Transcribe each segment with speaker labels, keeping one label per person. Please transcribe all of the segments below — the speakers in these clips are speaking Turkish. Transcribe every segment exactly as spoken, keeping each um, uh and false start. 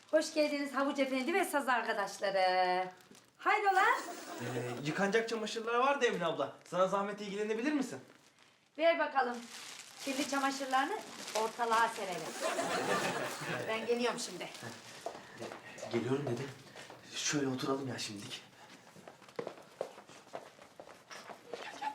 Speaker 1: Hoş geldiniz Havuç Efendi ve saz arkadaşları. Hayrola?
Speaker 2: Ee, yıkanacak çamaşırlar var da Emine abla. Sana zahmet ilgilenebilir misin?
Speaker 1: Ver bakalım. Kirli çamaşırlarını ortalığa serelim. Ben geliyorum şimdi.
Speaker 2: Geliyorum dedi. Şöyle oturalım ya şimdilik. Gel gel.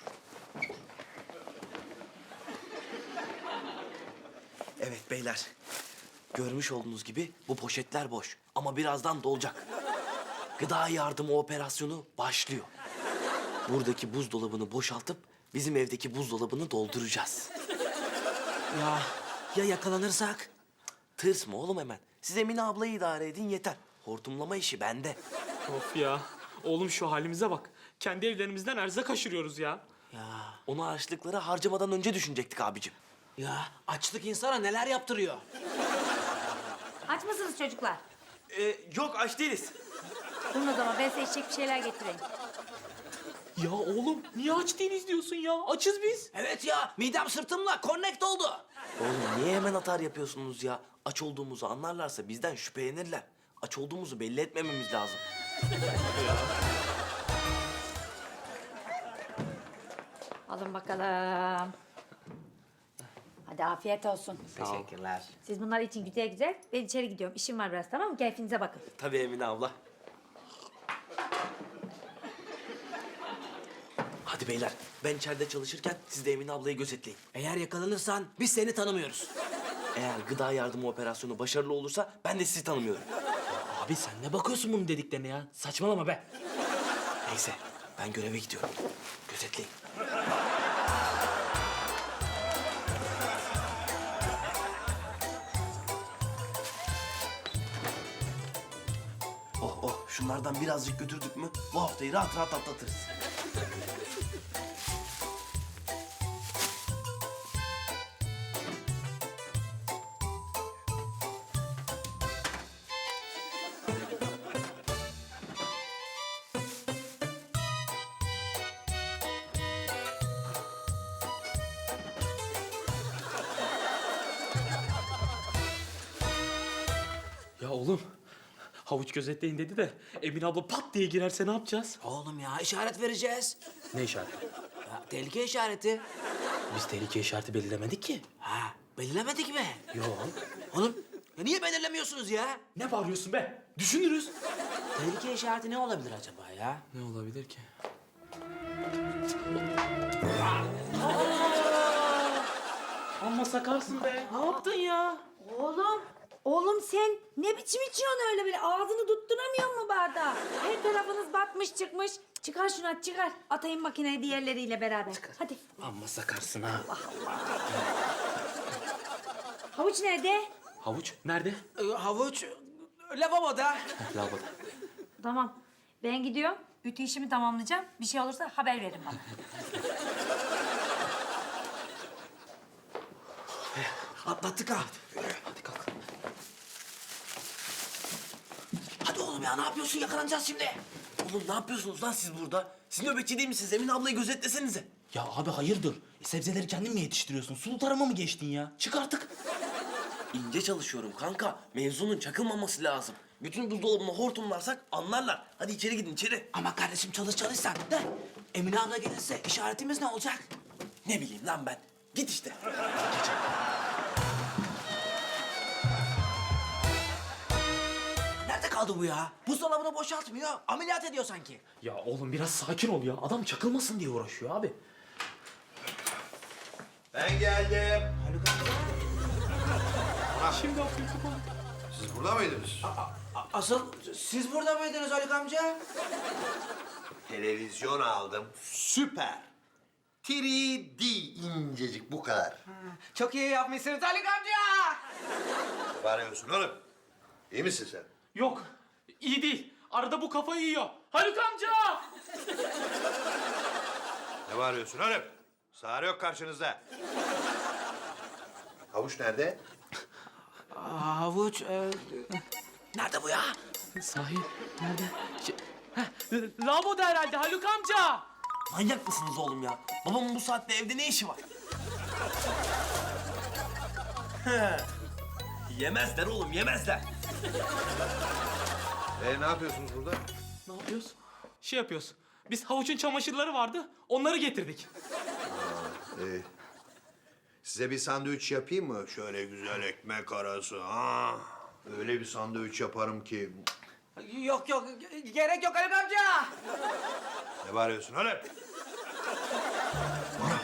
Speaker 2: Evet beyler. Görmüş olduğunuz gibi bu poşetler boş. Ama birazdan dolacak. Gıda yardımı operasyonu başlıyor. Buradaki buzdolabını boşaltıp bizim evdeki buzdolabını dolduracağız.
Speaker 3: Ya ya yakalanırsak?
Speaker 2: Tırsma oğlum hemen. Siz Emine ablayı idare edin yeter. Hortumlama işi bende.
Speaker 4: Of ya. Oğlum şu halimize bak. Kendi evlerimizden erzak aşırıyoruz ya.
Speaker 3: Ya
Speaker 2: Onu harçlıkları harcamadan önce düşünecektik abicim.
Speaker 3: ya açlık insana neler yaptırıyor?
Speaker 1: Aç mısınız çocuklar?
Speaker 2: Ee, yok aç değiliz.
Speaker 1: Durun o zaman ben size içecek bir şeyler getireyim.
Speaker 4: Ya oğlum niye aç değiliz diyorsun ya? Açız biz.
Speaker 3: Evet ya midem sırtımla connect oldu.
Speaker 2: Oğlum niye hemen atar yapıyorsunuz ya? Aç olduğumuzu anlarlarsa bizden şüphelenirler. Aç olduğumuzu belli etmememiz lazım.
Speaker 1: Alın bakalım. Hadi afiyet olsun.
Speaker 3: Teşekkürler.
Speaker 1: Siz bunlar için güzel güzel. Ben içeri gidiyorum. İşim var biraz, tamam mı? Keyfinize bakın.
Speaker 2: Tabii Emine abla. Hadi beyler, ben içeride çalışırken siz de Emine ablayı gözetleyin.
Speaker 3: Eğer yakalanırsan biz seni tanımıyoruz.
Speaker 2: Eğer gıda yardımı operasyonu başarılı olursa ben de sizi tanımıyorum.
Speaker 4: Abi sen ne bakıyorsun bunun dediklerine ya? Saçmalama be.
Speaker 2: Neyse, ben göreve gidiyorum. Gözetleyin. Oh oh, şunlardan birazcık götürdük mü bu haftayı rahat rahat atlatırız.
Speaker 4: Ya oğlum. Havuç gözetleyin dedi de Emine abla pat diye girerse ne yapacağız?
Speaker 3: Oğlum ya işaret vereceğiz.
Speaker 4: Ne işareti?
Speaker 3: Ya, tehlike işareti.
Speaker 4: Biz tehlike işareti belirlemedik ki.
Speaker 3: Ha belirlemedik mi?
Speaker 4: Yok.
Speaker 3: Oğlum ya niye belirlemiyorsunuz ya?
Speaker 4: Ne bağırıyorsun be? Düşünürüz.
Speaker 3: Tehlike işareti ne olabilir acaba ya?
Speaker 4: Ne olabilir ki? Amma sakarsın be. Ne yaptın ya?
Speaker 1: Oğlum, oğlum sen ne biçim içiyorsun öyle böyle? Ağzını tutturamıyor mu bardağı? Her tarafınız batmış çıkmış. Çıkar şunu at, çıkar. Atayım makineye diğerleriyle beraber. Hadi.
Speaker 4: Amma sakarsın ha.
Speaker 1: Havuç nerede?
Speaker 4: Havuç nerede?
Speaker 3: Ee, havuç lavaboda.
Speaker 4: Lavaboda.
Speaker 1: Tamam. Ben gidiyorum. Ütü işimi tamamlayacağım. Bir şey olursa haber verin bana.
Speaker 3: Atlattık ha.
Speaker 4: Hadi kalk.
Speaker 3: Hadi oğlum ya ne yapıyorsun yakalanacağız şimdi.
Speaker 2: Oğlum ne yapıyorsunuz lan siz burada? Siz nöbetçi değil misiniz? Emine ablayı gözetlesenize.
Speaker 5: Ya abi hayırdır? E, sebzeleri kendin mi yetiştiriyorsun? Sulu tarıma mı geçtin ya? Çık artık.
Speaker 2: İnce çalışıyorum kanka. Mevzunun çakılmaması lazım. Bütün buzdolabını hortumlarsak anlarlar. Hadi içeri gidin içeri.
Speaker 3: Ama kardeşim çalış çalış sen de. Emine abla gelirse işaretimiz ne olacak?
Speaker 2: Ne bileyim lan ben. Git işte.
Speaker 3: Nerede kaldı bu ya? Buzdolabını boşaltmıyor. Ameliyat ediyor sanki.
Speaker 4: Ya oğlum biraz sakin ol ya. Adam çakılmasın diye uğraşıyor abi.
Speaker 6: Ben geldim.
Speaker 3: Haluk amca.
Speaker 4: Şimdi atlayıp kapalı.
Speaker 6: Siz burada mıydınız?
Speaker 3: a- Asıl siz burada mıydınız Haluk amca?
Speaker 6: Televizyon aldım. Süper. üç D incecik bu kadar.
Speaker 3: Çok iyi yapmışsınız Haluk amca.
Speaker 6: Ne bağırıyorsun oğlum? İyi misin sen?
Speaker 4: Yok. iyi değil. Arada bu kafayı yiyor. Haluk amca!
Speaker 6: Ne bağırıyorsun oğlum? Sağır yok karşınızda. Havuç nerede?
Speaker 3: Havuç. E... Nerede bu ya?
Speaker 4: Sahi nerede? Şey, heh, lavaboda herhalde Haluk amca.
Speaker 2: Manyak mısınız oğlum ya? Babamın bu saatte evde ne işi var? Yemezler oğlum, yemezler.
Speaker 6: E ne yapıyorsunuz burada?
Speaker 4: Ne yapıyoruz? Şey yapıyoruz. Biz havuçun çamaşırları vardı. Onları getirdik.
Speaker 6: E, size bir sandviç yapayım mı? Şöyle güzel ekmek arası. Ha? Öyle bir sandviç yaparım ki.
Speaker 3: Yok yok gerek yok Haluk amca.
Speaker 6: Ne bağırıyorsun öyle? Bana.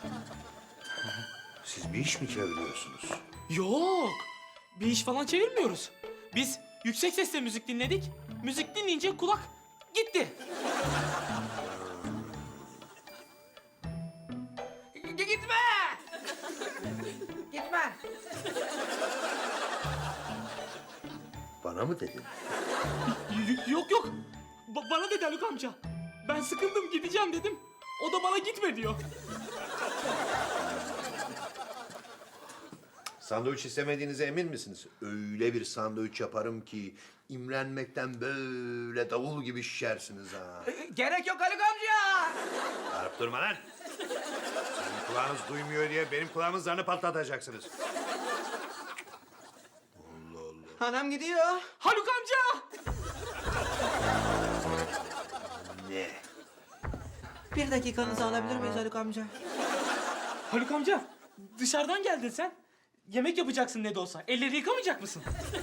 Speaker 6: Siz bir iş mi çeviriyorsunuz?
Speaker 4: Yok. Bir iş falan çevirmiyoruz. Biz yüksek sesle müzik dinledik. Müzik dinleyince kulak gitti.
Speaker 3: G- gitme. Gitme.
Speaker 6: Bana mı dedin?
Speaker 4: Y- yok yok. Ba- bana dedi Haluk amca. Ben sıkıldım gideceğim dedim. O da bana gitme diyor.
Speaker 6: Sandviç istemediğinize emin misiniz? Öyle bir sandviç yaparım ki imrenmekten böyle davul gibi şişersiniz ha.
Speaker 3: Gerek yok Haluk amca.
Speaker 6: Bağırıp durma lan. Senin kulağınız duymuyor diye benim kulağımın zarını patlatacaksınız.
Speaker 3: Anam gidiyor.
Speaker 4: Haluk amca!
Speaker 6: Ne?
Speaker 3: Bir dakikanızı alabilir miyiz Haluk amca?
Speaker 4: Haluk amca dışarıdan geldin sen. Yemek yapacaksın ne de olsa. Elleri yıkamayacak mısın?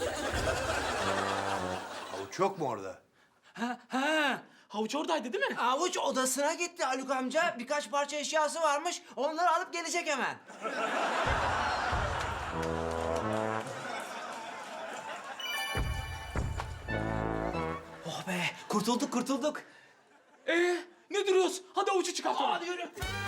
Speaker 6: Havuç yok mu orada?
Speaker 4: Ha, ha. Havuç oradaydı değil mi?
Speaker 3: Avuç odasına gitti Haluk amca. Birkaç parça eşyası varmış. Onları alıp gelecek hemen. Oh be, kurtulduk kurtulduk.
Speaker 4: Ee, ne duruyoruz? Hadi havucu çıkartalım. Hadi yürü.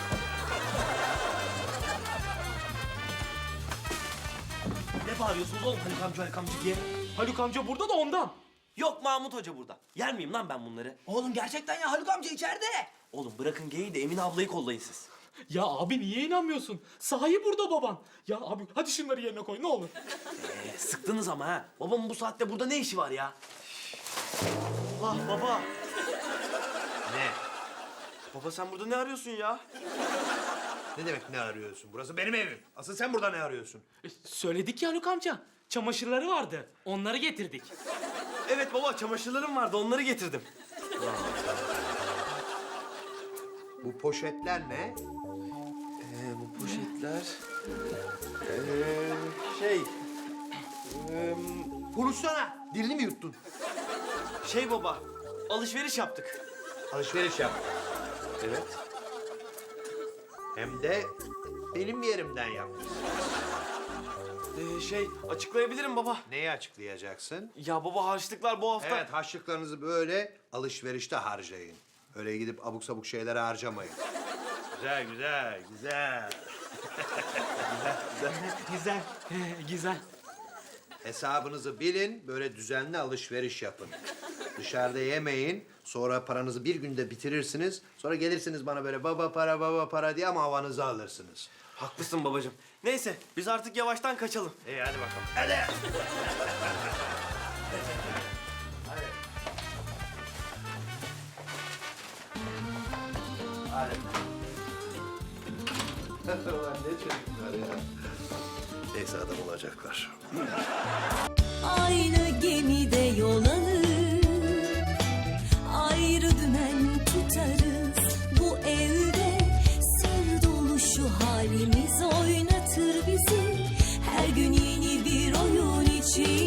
Speaker 2: Ne bağırıyorsunuz oğlum Haluk amca, Haluk amca diye?
Speaker 4: Haluk amca burada da ondan.
Speaker 2: Yok Mahmut Hoca burada. Yer miyim lan ben bunları?
Speaker 3: Oğlum gerçekten ya Haluk amca içeride.
Speaker 2: Oğlum bırakın geyi de Emine ablayı kollayın siz.
Speaker 4: Ya abi niye inanmıyorsun? Sahi burada baban. Ya abi hadi şunları yerine koy ne olur.
Speaker 2: Ee, sıktınız ama ha. Babamın bu saatte burada ne işi var ya? Allah baba.
Speaker 6: Ne?
Speaker 2: Baba sen burada ne arıyorsun ya?
Speaker 6: Ne demek ne arıyorsun? Burası benim evim. Asıl sen burada ne arıyorsun?
Speaker 4: E, söyledik ya Haluk amca. Çamaşırları vardı. Onları getirdik.
Speaker 2: Evet baba, çamaşırlarım vardı, onları getirdim.
Speaker 6: Bu poşetler ne?
Speaker 2: Ee, bu poşetler... Ee, şey... Ee,
Speaker 6: Konuşsana. Dilini mi yuttun?
Speaker 2: şey baba, alışveriş yaptık.
Speaker 6: Alışveriş yap. Evet. Hem de benim yerimden yapmışsın.
Speaker 2: Ee, şey, açıklayabilirim baba.
Speaker 6: Neyi açıklayacaksın?
Speaker 2: Ya baba harçlıklar bu hafta...
Speaker 6: Evet, harçlıklarınızı böyle alışverişte harcayın. Öyle gidip abuk sabuk şeylere harcamayın. Güzel, güzel, güzel.
Speaker 4: Güzel. He, güzel.
Speaker 6: Hesabınızı bilin, böyle düzenli alışveriş yapın. Dışarıda yemeyin, sonra paranızı bir günde bitirirsiniz. Sonra gelirsiniz bana böyle baba para, baba para diye ama havanızı alırsınız.
Speaker 2: Haklısın babacığım. Neyse, biz artık yavaştan kaçalım.
Speaker 6: İyi, hadi bakalım. Hadi. Hadi. Ulan ne çocuklar ya. Neyse adam olacaklar.
Speaker 7: Aynı gemide yol alır, ayrı dümen tutarız. Bu evde sır dolu şu halimiz oynatır bizi. Her gün yeni bir oyun için